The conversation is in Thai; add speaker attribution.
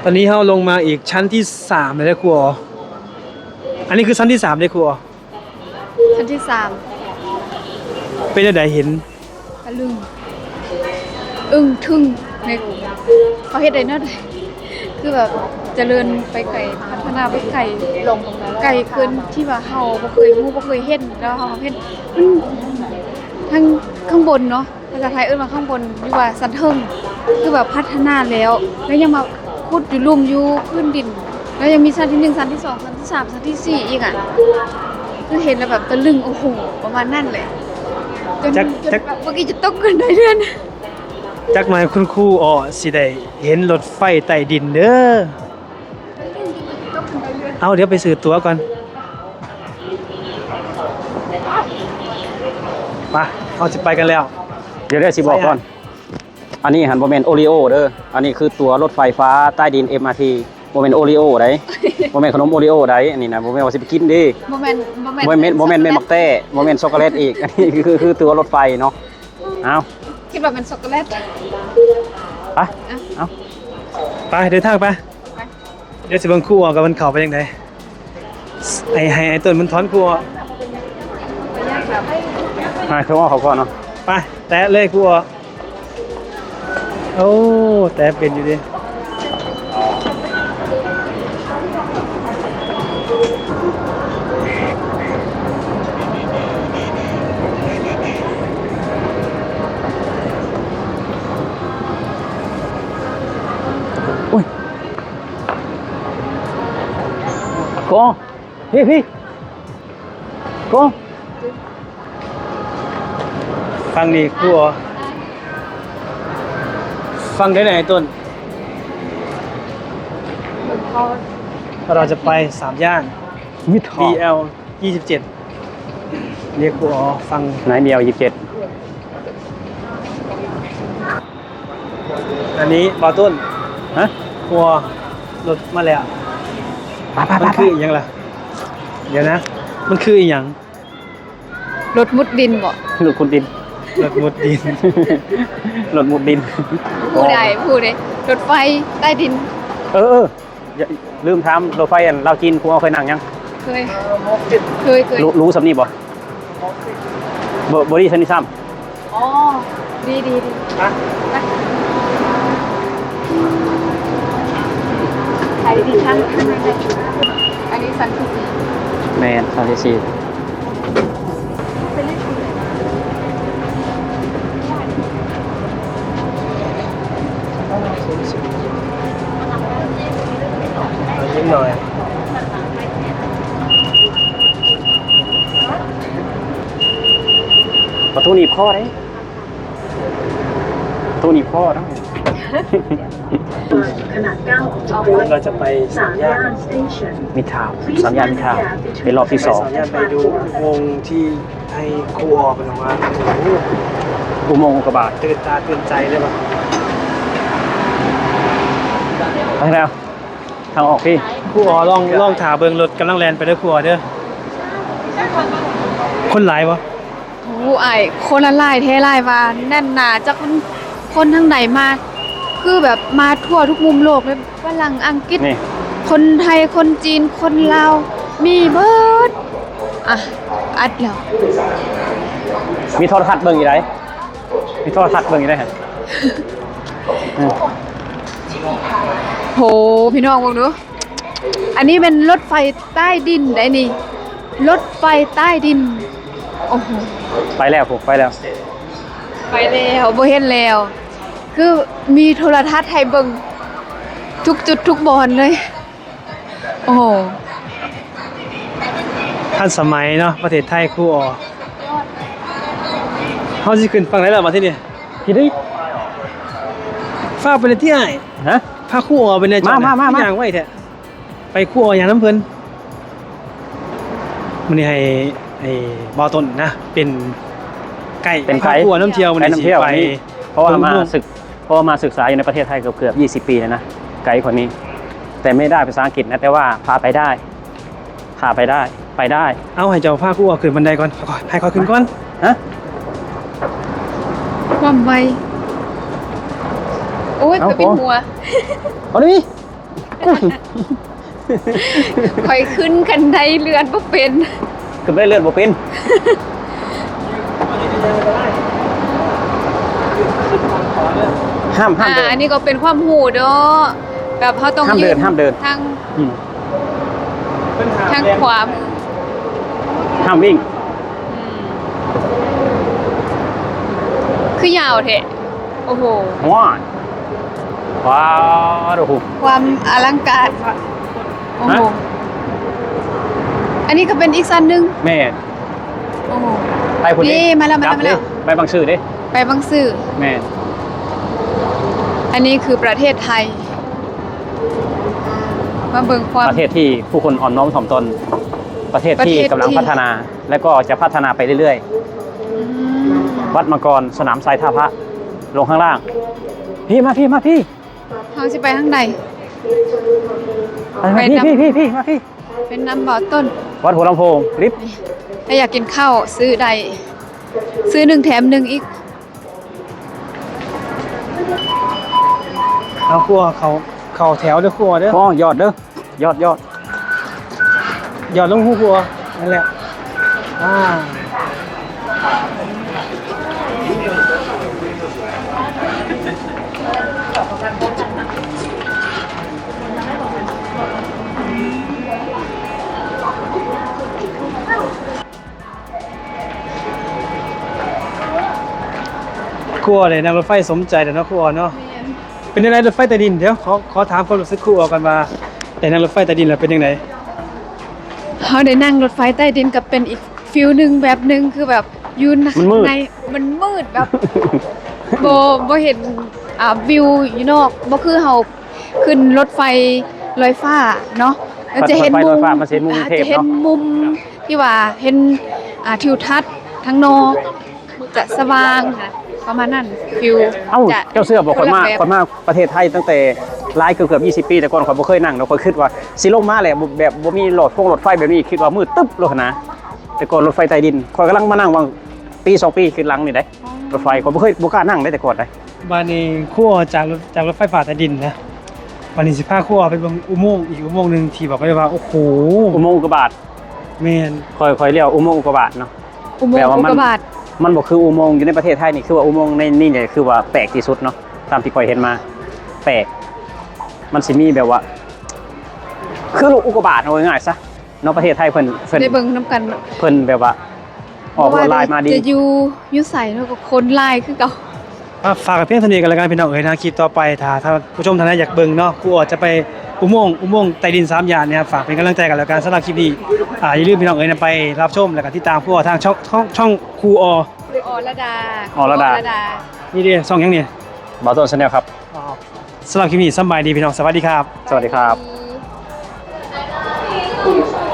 Speaker 1: ตอนนี้เราลงมาอีกชั้นที่3เลยนะครูอ๋ออันนี้คือชั้นที่3เลยครูอ๋อ
Speaker 2: ชั้นที่
Speaker 1: เป็นอะไรเห็น
Speaker 2: ตะลึงอึ้งทึ่งในเขาเฮ็ดได้เนาะคือแบบเจริญไปไกลพัฒนาไปไกลลงไกลเกินที่ว่าเฮาบ่เคยรู้บ่เคยเห็นแล้วเฮาเห็นมันทั้งข้างบนเนาะภาษาไทยเอิ้นว่าข้างบนอยู่ว่าสันเทิงคือแบบพัฒนาแล้วยังมาขุดอยู่ลุ่มอยู่พื้นดินแล้วยังมีชั้นที่1ชั้นที่2ชั้นที่3ชั้นที่4อีกอ่ะคือเห็นแล้วแบบตะลึงโอ้โหประมาณนั้นเลยจนแบบเมื่อกี้จะตกกันได้เดือน
Speaker 1: จักหน่อยคุณครูอ๋อสิได้เห็นรถไฟใต้ดินเด้อเอาเดี๋ยวไปซื้อตั๋วก่อนมาเอาจะไปกันแล้ว
Speaker 3: เดี๋ยวได้สิบอกก่อนอันนี้หันโมเมนต์โอริโอเด้ออันนี้คือตัวรถไฟฟ้าใต้ดิน MRT โมเมนต์โอริโอได้โมเมนต์ขนมโอริโอได้อันนี้นะโมเมนต์ว่าสิไปกินดิ
Speaker 2: โมเมนต์
Speaker 3: แม่มักแต้โมเมนต์ช็อกโกแลตอีกอันนี้คือตัวรถไฟเนาะเอา
Speaker 2: คิดว่าเป็นช็อกโกแลต
Speaker 3: ไปเอา
Speaker 1: ไปเดินทางไปเดี๋ยวสิเบิ่งครูอ๋อกับมันเข้าไปยังไงไอ้ต้นมันถอนครูอ๋อ
Speaker 3: มาคือว่าเขาก่อนเนาะ
Speaker 1: ไปแตะเลยครูอ๋อโอ้แต่เป็นอยู่ดิ
Speaker 3: อุ้ยโกพี่โก
Speaker 1: ฟังนี่ครูอ๋อฟังได้ไหนต้นเราจะไป3 ย่าน
Speaker 3: มิด
Speaker 1: BL 27เรียกครูอ๋อฟัง
Speaker 3: ไหนเดียว27
Speaker 1: อันนี้บอต้น
Speaker 3: ฮะ
Speaker 1: ครูอ๋อรถมาแล้วมันคืออีกอย่างล่ะเดี๋ยวนะมันคืออีกอย่าง
Speaker 2: รถมุดดินบ่
Speaker 3: รถขุดดิน
Speaker 1: รถมุดดิน
Speaker 3: รถมุดดิน
Speaker 2: พูดได้รถไฟใต้ดิน
Speaker 3: ลืมถามรถไฟอันเราจีนครูเอาเคยนั่งยัง
Speaker 2: เคย
Speaker 3: รู้สำนีบ่บอดี้ซันนี่ซ้
Speaker 2: ำอ๋อดี
Speaker 1: ฮะ
Speaker 2: ไอ้ดิฉันอันนี้สันที่
Speaker 3: 4แมนสันที่4
Speaker 1: ยิ้มหน่อย
Speaker 3: ประตูหนีบข้อได้ประตูหนีบข้อได้
Speaker 1: เราจะไป3 ย่าน
Speaker 3: มิตรทาวน์3 ย่านมิตรทาวน์เป็นรอบที่2
Speaker 1: 3 ย่านไปดูวงที่ให้ครูอ๋อเป็นออกมา
Speaker 3: อุโมงค์อุกกาบาต
Speaker 1: ตื่นตาตื่นใจเลยป่ะ
Speaker 3: ไปแล้วทางออกพี่
Speaker 1: ครูอ๋อลองถาเบิ่งรถกำลังแล่นไปเด้อครูอ๋อเด้อคนหลายวะ
Speaker 2: โอ้ไอ้คนละลายเทลายว่าแน่นหนาจากคนทางไหนมาคือแบบมาทั่วทุกมุมโลกเลยฝรั่งอังกฤษคนไทยคนจีนคนลาวมีเบิดอ่ะอัดแล้ว
Speaker 3: มีโทรทัศน์เบิ่งอีไรมีโทรทัศน์เบิ่งอีไรฮะ
Speaker 2: โหพี่น้องบอกดูอันนี้เป็นรถไฟใต้ดินได้นี่รถไฟใต้ดินโอ้โห
Speaker 3: ไปแล้วผมไปแล้ว
Speaker 2: บ่เห็นแล้วคือมีโทรทัศน์ให้เบิ่งทุกจุดทุกบอนเลยโอ้โห
Speaker 1: ทันสมัยเนาะประเทศไทยครูอ๋อเฮาสิขึ้นฝั่งไหนล่ะมาที่นี่
Speaker 3: ที่นี่
Speaker 1: ฟ้าไปในที่ไหน
Speaker 3: ฮะ
Speaker 1: พาครูอ๋อไปในจอมาอย่างไว้แท้ไปครูอ๋ออย่างน้ำเพิ่นมื้อนี้ให้บ่อต้นนะเป็นไก่
Speaker 3: เป็นไก่
Speaker 1: ครูอ๋อน้ำเที่ยวมื้อนี้สิไป
Speaker 3: เพราะว่ามาศึกษาอยู่ในประเทศไทยเกือบ20 ปีแล้วนะไกด์คนนี้แต่ไม่ได้ภาษาอังกฤษนะแต่ว่าพาไปได้
Speaker 1: เอาให้เจ้าพาครูอ๋อขึ้นบันไดก่อนให้ค่อยขึ้นก่อน
Speaker 3: ฮะ
Speaker 2: ความไวโอ้ยเป็นหัว
Speaker 3: เอาดิกุ้ง
Speaker 2: ข่อยขึ้นกันไดเรือนบ่เป็น
Speaker 3: คือไม่ได้เลื่อนบ่เป็นห้ามเดิน
Speaker 2: อันนี้ก็เป็นความหูเด้อแบบเขาต้อง
Speaker 3: ห้ามเดินห้ามเดิน
Speaker 2: ทาง
Speaker 3: อืม
Speaker 2: ทางขวา
Speaker 3: ห้ามวิ่ง
Speaker 2: คือยาวแท้โอ้โห
Speaker 3: ว้าวโอ้โห
Speaker 2: ความอลังการโอ้โห
Speaker 3: ฮะ
Speaker 2: อันนี้ก็เป็นอีกสั้นหนึง
Speaker 3: แม่
Speaker 2: โอ้โห
Speaker 3: ไปคนนี้
Speaker 2: นี่มาแล้ว
Speaker 3: จับดิไปบางซื่อดิ
Speaker 2: ไปบางซื่อ
Speaker 3: แม่
Speaker 2: อันนี้คือประเทศไทย มาเบิ่งความ
Speaker 3: ประเทศที่ผู้คนอ่อนน้อมถ่อมตน ประเทศที่กำลังพัฒนา และก็จะพัฒนาไปเรื่อย
Speaker 2: อืม
Speaker 3: ๆ วัดมังกรสนามทรายท่าพระลงข้างล่าง พี่มาพี่
Speaker 2: เขาสิไปทางใด
Speaker 3: มา
Speaker 2: ไป
Speaker 3: พี่
Speaker 2: นำ
Speaker 3: พี่มาพี่
Speaker 2: เป็นน้ำบ่อต้น
Speaker 3: วัดหัวลำโพงลิฟต์
Speaker 2: ถ้าอยากกินข้าวซื้อใดซื้อหนึ่งแถมหนึ่งอีก
Speaker 1: เอาครัวเขาแถวเด้อครัวเด้อ
Speaker 3: อ๋อยอดเด้อยอด
Speaker 1: หยอดลงหูครัวนั่นแหละครัวเลยนั่งรถไฟสมใจเดี๋ยวเนาะครัวเนาะเป็นยังไงรถไฟใต้ดินเดี๋ยวขอถามความรู้สึกครัวกันว่าแต่นั่งรถไฟใต้ดินแล้วเป็นยังไง
Speaker 2: เขาได้นั่งรถไฟใต้ดินกับเป็นอีกฟิลหนึ่งแบบหนึ่งคือแบบอยืนข้างในมันมืดแบบ บ่เห็นวิวอยู่นอกบ่คือเฮาขึ้นรถไฟลอยฟ้าเนาะมันจะเห็น
Speaker 3: รถไฟ
Speaker 2: มุ
Speaker 3: ลอ
Speaker 2: ม
Speaker 3: ยฟ้ามันจะเห็นมุมเทพ
Speaker 2: จะเห็น
Speaker 3: เนาะ
Speaker 2: มุมที่ว่าเห็นทิวทัศน์ทั้งนอกจะสว่างประมาณนั้นฟิล
Speaker 3: เอ้า
Speaker 2: จะ
Speaker 3: เจ้าเสื้อบอกคนมาก
Speaker 2: แบบ
Speaker 3: คนมากประเทศไทยตั้งแต่หลายเกือบ20 ปีแต่ก่อนข่อยบ่เคยนั่งแล้วข่อยคิดว่าสิลงมาแหละแบบบ่มีรถไฟแบบนี้คิดว่ามืดตึ๊บโลกนะแต่ก่อนรถไฟใต้ดินข่อยกำลังมานั่งวางปี2 ปีขึ้นหลังนี่ได้รถไฟข่อยบ่เคยบ่กล้านั่งได้แต่ก่อนได้
Speaker 1: บ้านนี้ขั้วจากรถไฟฟ้าใต้ดินนะวันนี้สิพาขั้วไปเบิ่งอุโมงค์อีกอุโมงค์หนึงที่บอกไว้ว่าโอ้โห
Speaker 3: อุโมงค์อุกกาบาต
Speaker 1: แม่น
Speaker 3: ข่อยเรียกอุโมงค์อุกกาบาตเนาะ
Speaker 2: อุโมง
Speaker 3: แปล
Speaker 2: ค์
Speaker 3: ว่า
Speaker 2: อุ
Speaker 3: มั
Speaker 2: ก
Speaker 3: น
Speaker 2: กาบาต
Speaker 3: มันบ่คืออุโมงค์อยู่ในประเทศไทยนี่คือว่าอุโมงค์ในนี่เนี่ยคือว่าแปลกที่สุดเนาะตามที่ข่อยเห็นมาแปลกมันสิมีแบบว่า คือลูกอุกกาบาตเอาง่ายๆซะเนาะประเทศไทยเพิ่น
Speaker 2: ได้เบิ่งนํกัน
Speaker 3: เพิ่นแบบว่าออกลายมาดี
Speaker 2: จะอยู่ใส่แล้วก็คนลายคือเก่า
Speaker 1: ฝากกับเพียงเท่านี้กันแล้วกันพี่น้องเอ๋ยนะคลิปต่อไปถ้าผู้ชมท่านใดอยากเบิ่งเนาะขั้วจะไปอุโมงค์ใต้ดิน3ย่านเนี่ยครับฝากเป็นกำลังใจกันแล้วกันสำหรับคลิปนี้อย่าลืมพี่น้องเอ๋ยนะไปรับชมแล้วก็ติดตามขั้วทางช่องครูอ
Speaker 2: อระดา
Speaker 3: อรดา
Speaker 1: นี่เด้ช่องหยังเนี่ย
Speaker 3: บาโตนชาแนลครับ
Speaker 1: สำหรับคลิปนี้สำบายดีพี่น้องสวัสดีครับ
Speaker 3: สวัสดีครับ
Speaker 2: ดี